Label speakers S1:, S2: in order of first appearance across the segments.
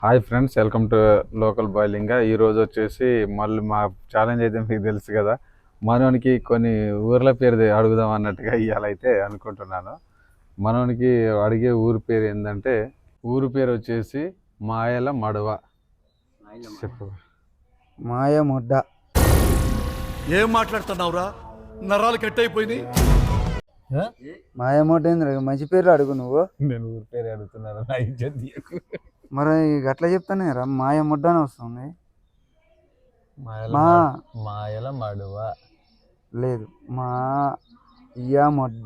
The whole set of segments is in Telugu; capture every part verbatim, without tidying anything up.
S1: Hi friends, welcome to local boiling. ఈరోజు వచ్చేసి మళ్ళీ మా ఛాలెంజ్ అయితే మీకు తెలుసు కదా, మనోనికి కొన్ని ఊర్ల పేరు తె- అడుగుదాం అన్నట్టుగా ఇవాళైతే అనుకుంటున్నాను. మనోనికి అడిగే ఊరి పేరు ఏంటంటే, ఊరి పేరు వచ్చేసి మాయల మడవ. చెప్పు.
S2: మాయ ముడ్డ.
S3: ఏం మాట్లాడుతున్నావురా? నరాలు కట్ అయిపోయినాయి.
S2: మాయ ముడ్డ ఏంద్ర మంచి పేర్లు అడుగు నువ్వు.
S1: నేను ఊరి పేరు అడుగుతున్నాను, నా ఇజ్జత్ తీయకు.
S2: మరి అట్లా చెప్తానే రా, మాయ ముడ్డ అని వస్తుంది.
S1: మాయల
S2: మా
S1: మడ- మాయల మడవ
S2: లేదు, మా ఇయ ముడ్డ.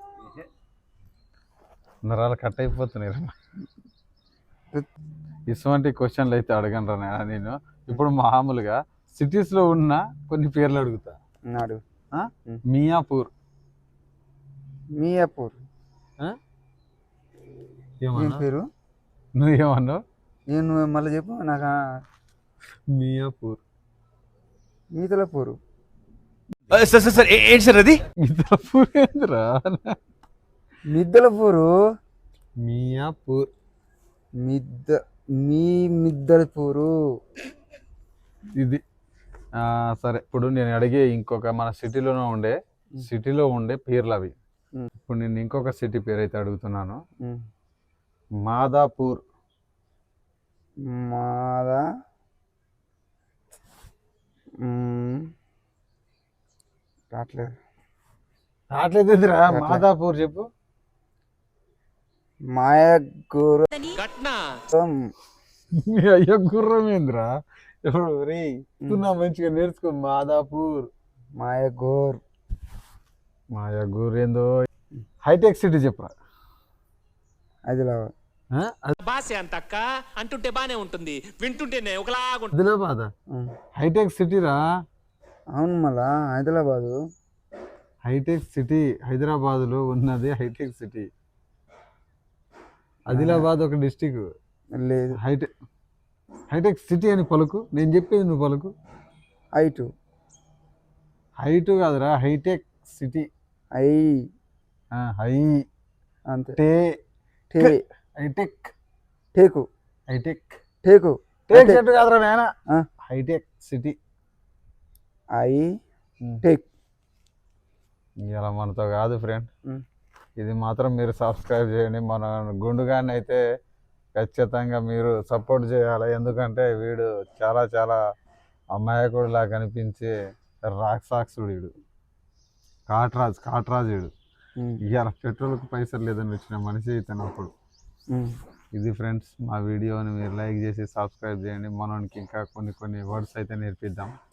S1: నరాలు కట్ అయిపోతున్నాయి. ఇటువంటి క్వశ్చన్లు అయితే అడగను రా నాయనా నేను. ఇప్పుడు మామూలుగా సిటీస్లో ఉన్న కొన్ని పేర్లు అడుగుతా.
S2: నాడు
S1: ఆ? మియాపూర్.
S2: మియాపూర్
S1: ఆ?
S2: ఏం
S1: ఏమన్నా
S2: పేరు?
S1: నువ్వేమన్నావు?
S2: నేను నువ్వు మళ్ళీ చెప్పు నాకు.
S1: మియాపూర్.
S2: మీతలపూరు.
S3: సార్ సార్ సార్ ఏంటి సార్ అది?
S1: మియాపూర్ ఏందిరా?
S2: మిద్దలపూరు.
S1: మియాపూర్.
S2: మిద్ద మీ మిద్దలపూరు.
S1: ఇది ఆ, సరే. ఇప్పుడు నేను అడిగే ఇంకొక మన సిటీలోనే ఉండే సిటీలో ఉండే పేర్లు అవి.
S2: ఉమ్.
S1: ఇప్పుడు నేను ఇంకొక సిటీ పేరు అయితే అడుగుతున్నాను.
S2: ఉమ్.
S1: మాదాపూర్.
S2: మాదా ఉమ్. రావట్లేదు.
S1: రావట్లేదురా? మాదాపూర్ చెప్పు.
S2: మాయగూరు.
S1: మీ అయ్యో గుర్రం ఏందిరా? ఇప్పుడు రే నా మంచిగా నేర్చుకో. మాదాపూర్.
S2: మాయగూర్.
S1: మాయాగూర్ ఏందో. హైటెక్ సిటీ చెప్పరా.
S2: ఆదిలాబాద్.
S4: భాష అంతక్క అంటుంటే బానే ఉంటుంది, వింటుంటేనే ఒకలాగా
S1: ఆదిలాబాద్
S2: ఉమ్.
S1: హైటెక్ సిటీరా.
S2: అవును, మళ్ళా హైదరాబాదు.
S1: హైటెక్ సిటీ హైదరాబాద్లో ఉన్నది హైటెక్ సిటీ. ఆదిలాబాద్ ఒక డిస్టిక్.
S2: లేదు,
S1: హైటెక్ హైటెక్ సిటీ అని పలుకు. నేను చెప్పేది నువ్వు పలుకు.
S2: ఐటు.
S1: హైటు కాదురా, హైటెక్ సిటీ.
S2: ఐ
S1: ఆ, హై
S2: అంతే.
S1: టే
S2: టే
S1: hitech
S2: teak.
S1: Hitech
S2: teak.
S1: Teak చెట్టు కాదురా నాయన.
S2: ఆ.
S1: Hitech city.
S2: ఐ టేక్.
S1: ఇలా మనతో కాదు ఫ్రెండ్.
S2: ఉమ్.
S1: ఇది మాత్రం మీరు సబ్స్క్రైబ్ చేయండి. మన గుండుగాన్ని అయితే ఖచ్చితంగా మీరు సపోర్ట్ చేయాలి. ఎందుకంటే వీడు చాలా చాలా అమాయకుడిలా కనిపించే రాక్షసుడు వీడు. కాట్రాజ్ కాట్రాజ్ వీడు.
S2: ఉమ్.
S1: ఇవాళ పెట్రోల్కి పైసలు లేదని వచ్చిన మనిషి ఇతను అప్పుడు.
S2: ఉమ్.
S1: ఇది ఫ్రెండ్స్, మా వీడియోని మీరు లైక్ చేసి సబ్స్క్రైబ్ చేయండి. మనకి ఇంకా కొన్ని కొన్ని వర్డ్స్ అయితే నేర్పిద్దాం.